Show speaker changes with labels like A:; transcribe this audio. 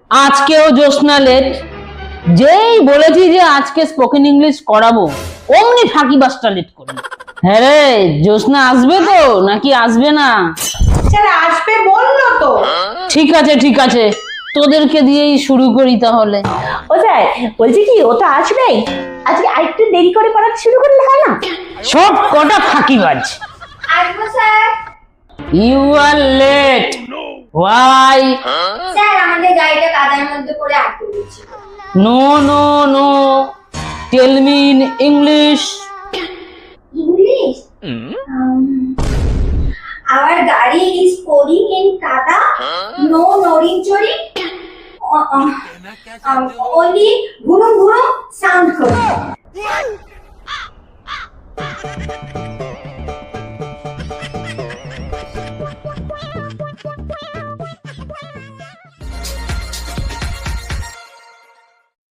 A: আজকেও জ্যোৎস্না লেট। যেই বলেছি যে আজকে স্পোকেন ইংলিশ করাবো, অমনি ফাঁকিবাজটা লেট করবে। হ্যাঁ রে, জ্যোৎস্না আসবে তো নাকি আসবে না?
B: স্যার আসবে বললো তো।
A: ঠিক আছে ঠিক আছে, তোদেরকে দিয়েই শুরু করি তাহলে।
B: ও স্যার বলছি কি, ও তো আসবেই, আজকে আরেকটু দেরি করে পড়াতে শুরু করলে হয় না?
A: সব কটা ফাঁকিবাজ।
C: আসবো sir.
A: You are late. Why?
C: Sir আমাদের গাড়িটা কাদার মধ্যে পড়ে আটকে গেছে।
A: No no no, tell me in English.
C: English? Our গাড়ি is pouring in kada. No noring choring. Only gurum gurum sound করে।